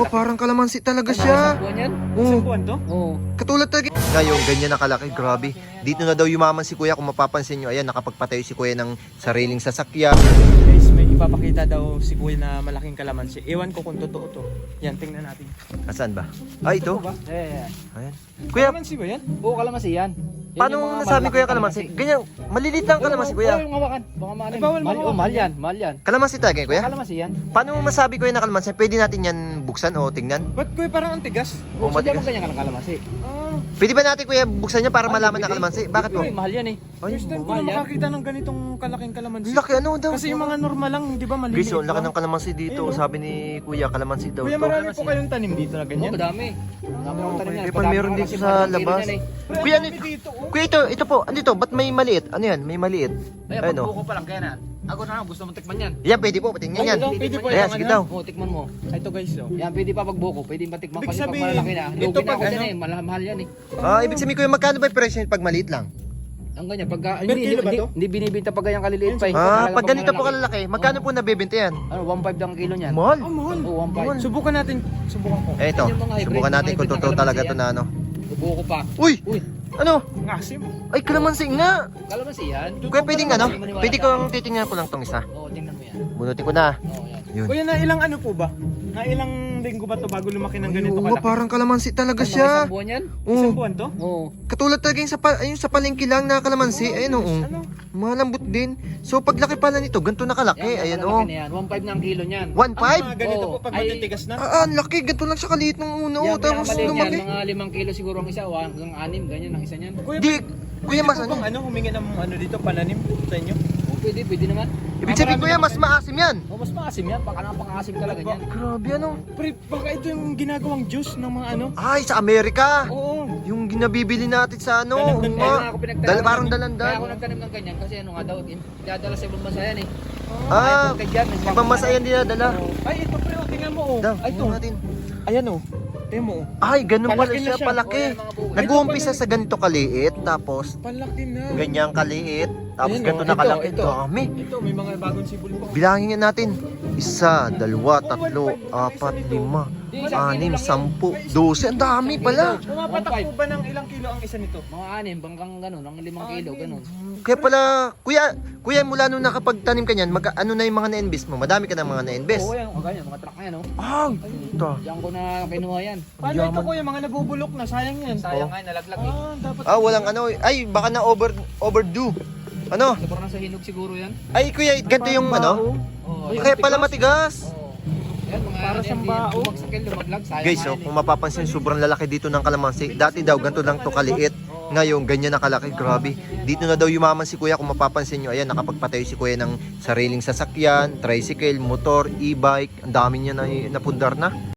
Oo, parang kalamansi talaga siya. Buwan yan? Oo, Buwan to? Oo. katulad talaga. Ngayon, ganyan na kalaki, grabe. Dito na daw yumaman si kuya, kung mapapansin nyo. Ayan, nakapagpatayo si kuya ng sariling sasakyan. Guys, may ipapakita daw si kuya na malaking kalamansi. Ewan ko kung totoo to. Yan, tingnan natin. Asan ba? Ay, ito. Ba? Ayan. Kuya, Kalamansi ba yan? Oo, kalamansi yan. Yan paano yung mga nasabi malalaking kuya kalamansi? Ganyan, malilit lang kalamansi kuya. Oo, yung hawakan. Baka maanin. Ay, bawal Mahal, mahawakan. mahal yan, mahal yan. Kalamansi talaga yun, kuya? Kalamansi yan. Paano mo masabi kuya na kalamansi? Pwede natin yan buksan o tingnan? Ba't kuya parang ang tigas? Oo, Oo, sadya matigas. mo ganyan ka ng kalamansi. Ah, Pwede ba natin kuya buksan niya para malaman na kalamansi? Bakit po? Uy, mahal yan eh. Ay, first time ko mahal na yan. makakita ng ganitong kalaking kalamansi. laki ano daw? Kasi yung mga normal lang, di ba, maliliit Guys, oh, laki lang. ng kalamansi dito. Ayun, oh. Sabi ni kuya, kalamansi daw Kuya, to. marami po kayong tanim dito na Oo, ganyan. madami. Madami akong tanim yan. Eh, pa meron dito sa labas. Kuya, ano, dito, oh. kuya, ito po. Ano ito? Ba't may maliit? Ano yan? May maliit. Ay, Ayun, oh. pagbuko pa lang kaya na. Ako na lang, gusto mo tikman yan. Yan, pwede po. Patingnan yan. Ito, pwede po Ayan, yung sige ano. daw. Oo, tikman mo. Ito guys, oh. Yan, pwede pa pagbuko. Pwede matikman Ibig kasi pag sabihin, malalaki na. ito Lugi na pag ako dyan ano? eh. Mahal yan eh. Ah, ibig sabihin kuya, magkano ba yung presyo pag maliit lang? Ang ganyan, pagka, Per kilo ba to? hindi binibinta pag ganyan kaliliit pa eh. Ah, Talagang pag ganito po malalaki. kalalaki, magkano po nabibenta yan? Ano, 1.5 lang ang kilo niyan. Mahal. Oh, mahal. Oo, 1.5. Subukan natin. Subukan ko. Eh, ito. Yan yung mga hybrid, Subukan natin mga kung hybrid totoo na talaga kalamansi ito na ano. Bubuko pa. Uy! Uy, Ano? Ang asim. Ay, kalamansi nga. kalamansi yan. Kuya, pwedeng ano? Hindi maniwala Pwede sa kong titingnan ko lang tong isa. Oo, tingnan mo yan. Bunutin ko na. Oo, yan. Yun. Kuya, na ilang ano po ba? Na ilang linggo ba to bago lumaki ng ganito Oo, kalaki? parang kalamansi talaga Mga siya. isang buwan yan? Oo. Isang buwan to? Oo. Katulad talaga yung ayun sa palengke lang na kalamansi. Ayun, oo. Ano? Malambot din. So, paglaki pala nito, ganito na kalaki. Ayan, malalaki oh. na yan. 1.5 na ang kilo niyan. 1.5? Ang mga ganito Oo. po pag Ay, matitigas na? Ah, ang laki. Ganito lang siya kaliit nung una. Yan, Oh, tapos pinakamaliit yan. lumaki. Mga 5 kilo siguro ang isa o hanggang 6, ganyan ang isa niyan. Kuya, Di, kuya, mas pwede po ano? bang humingi ng ano dito, pananim sa inyo? Oo, pwede naman. Ibig sabihin kuya, mas maasim yan. Oo, mas maasim yan. Baka napaka-asim talaga yan. Grabe ano. Pre, baka ito yung ginagawang juice ng mga ano? Ay, sa Amerika. Oo. Yung ginabibili natin sa ano. Dalandan. Kaya nga uma. ako pinagtanim. Parang Kaya dalandan. ako nagtanim ng ganyan kasi ano nga daw, dadala sa ibang bansa yan eh. Ah, Kaya dyan, ibang masayan din nadala. Ay, ito pre, oh, tingnan mo oh. Daw, Ay, ito. tingnan natin. Ayan oh. Tingnan mo oh. Ay, ganun pala Palaki na siya, siya. palaki. Oo, yan, mga buko. Nag-uumpisa sa ganito kaliit, tapos Palaki na. ganyang kaliit, tapos Ayan, ganito oh, na kalaki. ito. Dami. Ito, may mga bagong sibol pa. Bilangin nga natin. 1, 2, 3, 4, 5, 6, 7, 8, 12. Ang dami pala. Pumapatak po ba ng ilang kilo ang isa nito? Mga 6 bangkang ganun, ang 5 kilo, ganun. Kaya pala, kuya mula nung nakapagtanim ka niyan, ano na yung mga na-invest mo? Madami ka na mga na-invest. Oo, yan, mga ganyan, mga truck na yan, oh. Ah, ito. Diyan ko na kinuha yan. Paano ito kuya, mga nabubulok na, sayang yan. Sayang nga, nalaglag eh. Dapat. Ah, walang ano. Ay, baka na overdue. Ano? Sobrang nasa hinog siguro yan. Ay, kuya, ganito yung ano? Oo, Kaya pala matigas. Oo. Yan, mga Para yan, siyang yan, bao. bumagsak yan, lumaglag, sayang Guys, nga oh, yan, kung mapapansin, sobrang lalaki dito ng kalamansi. Dati daw, ganito lang to kaliit. Ngayon, ganyan na kalaki. Grabe. Dito na daw yumaman si kuya. Kung mapapansin nyo, ayan, nakapagpatayo si kuya ng sariling sasakyan, tricycle, motor, e-bike. Ang dami niya na napundar na.